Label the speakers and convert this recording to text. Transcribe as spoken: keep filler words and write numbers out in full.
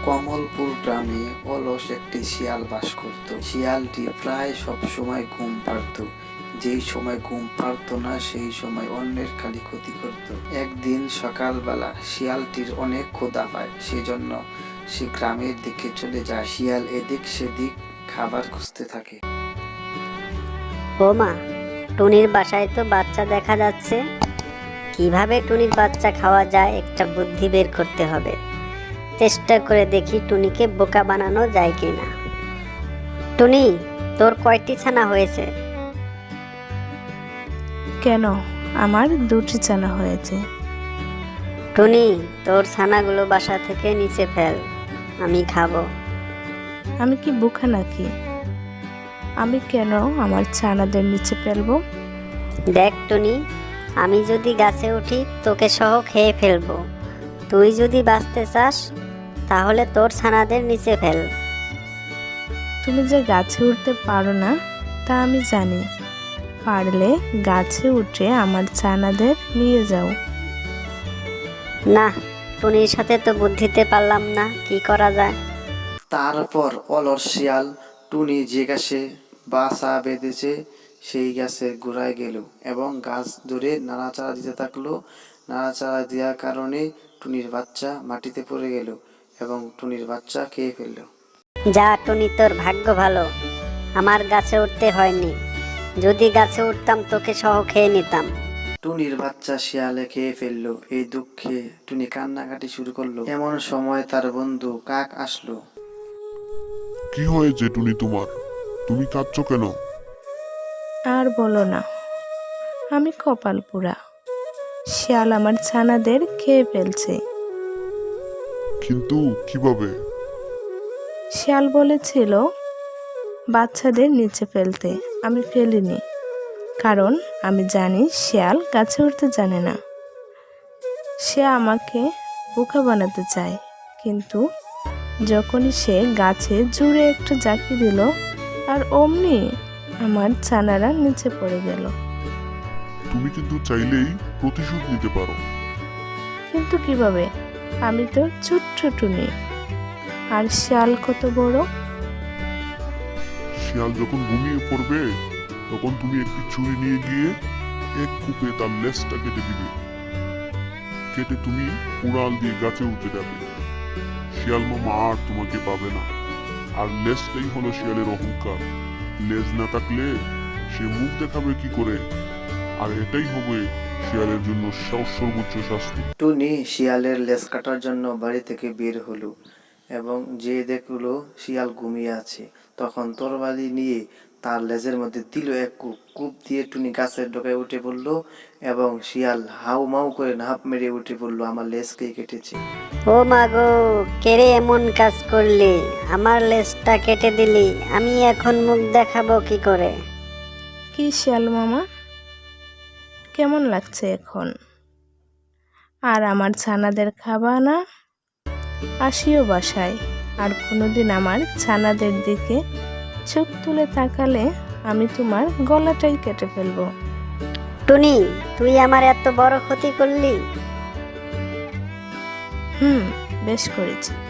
Speaker 1: কমলপুর গ্রামে অলস একটি শিয়াল বাস করত। শিয়ালটি প্রায় সব সময় ঘুম পাড়ত, যেই সময় ঘুম পাড়ত না সেই সময় অন্যের খালি ক্ষতি করত। একদিন সকালবেলা শিয়ালটির অনেক ক্ষুধা পায়, সেজন্য সে গ্রামের দিকে চলে যায়। শিয়াল এদিক সেদিক খাবার খুঁজতে থাকে।
Speaker 2: ও মা, টুনির বাসায় তো বাচ্চা দেখা যাচ্ছে। কিভাবে টুনির বাচ্চা খাওয়া যায় একটা বুদ্ধি বের করতে হবে। চেষ্টা করে দেখি টুনিকে বোকা বানানো যায় কিনা। টুনি, তোর কয়টি ছানা হয়েছে?
Speaker 3: কেন, আমার দুটি ছানা হয়েছে।
Speaker 2: টুনি, তোর ছানাগুলো বাসা থেকে নিচে ফেল, আমি খাবো।
Speaker 3: আমি কি বোকা নাকি? আমি কেন আমার ছানাদের নিচে ফেলবো?
Speaker 2: দেখ টুনি, আমি যদি গাছে উঠি তোকে সহ খেয়ে ফেলবো। তুই যদি বাঁচতে চাস তাহলে তোর ছানাদের নিচে ফেল।
Speaker 3: তুমি যে গাছে উঠতে পারো না তা আমি জানি। পারলে গাছে উঠে আমার ছানাদের নিয়ে যাও।
Speaker 2: না, টুনির সাথে তো বুদ্ধিতে পারলাম না, কি করা যায়।
Speaker 1: তারপর অলস শিয়াল টুনি যে গাছে বাসা বেঁধেছে সেই গাছের গোড়ায় গেল এবং গাছ ধরে নাড়াচাড়া দিতে থাকলো। নাড়াচাড়া দেওয়ার কারণে টুনির বাচ্চা মাটিতে পড়ে গেল এবং টুনির বাচ্চা খেয়ে ফেলল।
Speaker 2: যা টুনি, তোর ভাগ্য ভালো, আমার গাছে উঠতে হয়নি। যদি গাছে উঠতাম তোকে সহ খেয়ে নিতাম।
Speaker 1: টুনির বাচ্চা শিয়ালে খেয়ে ফেললো। এই দুঃখে টুনি কান্নাকাটি শুরু করলো। এমন সময় তার বন্ধু কাক আসলো।
Speaker 4: কি হয়েছে টুনি তোমার? তুমি কাঁদছো কেন?
Speaker 3: আর বলো না, আমি কপাল পোড়া। শিয়াল আমার ছানাদের খেয়ে ফেলছে।
Speaker 4: কিন্তু কিভাবে?
Speaker 3: শিয়াল বলেছিল বাচ্চাদের নিচে ফেলতে, আমি ফেলিনি। কারণ আমি জানি শিয়াল গাছে উঠতে জানে না। সে আমাকে বোকা বানাতে চায়। কিন্তু যখনই সে গাছে জুড়ে একটু জাকি দিল আর অমনি আমার ছানারা নিচে পড়ে গেল।
Speaker 4: তুমি কিন্তু চাইলেই প্রতিশোধ নিতে পারো।
Speaker 3: কিন্তু কিভাবে? আমি তো ছোট্ট টুনি, আর শিয়াল কত বড়।
Speaker 4: শিয়াল যখন ঘুমিয়ে পড়বে তখন তুমি একটি ছুরি নিয়ে গিয়ে এক কূপে তার লেজটা কেটে দিবে। কেটে তুমি উড়াল দিয়ে গাছে উঠে যাবে। শিয়াল মামা আর তোমাকে পাবে না। আর লেজটাই হলো শিয়ালের অহংকার। লেজ না থাকলে সে মুখ দেখাবে কি করে? আর এটাই হবে শিয়ালের জন্য সর্বোচ্চ শাস্তি।
Speaker 1: টুনি শিয়ালের লেজ কাটার জন্য বাড়ি থেকে বের হলো এবং যে দেখলো শিয়াল ঘুমিয়ে আছে, তখন তরবারি নিয়ে তার লেজের মধ্যে দিল এক কূপ। কূপ দিয়ে টুনি গাছের ডগায় উঠে পড়লো এবং শিয়াল হাউ মাউ করে নাপ মেরে উঠে পড়লো, আমার লেজ কে কেটেছে।
Speaker 2: ও মা গো, কেড়ে এমন কাজ করলি, আমার লেজটা কেটে দিলি, আমি এখন মুখ দেখাবো কি করে?
Speaker 3: কি শিয়াল মামা, কেমন লাগছে এখন? আর আমার ছানাদের খাবা না? আসিও বাসায়। আর কোনোদিন আমার ছানাদের দিকে চোখ তুলে তাকালে আমি তোমার গলাটাই কেটে ফেলবো।
Speaker 2: টুনি, তুই আমার এত বড় ক্ষতি করলি?
Speaker 3: হুম, বেশ করেছি।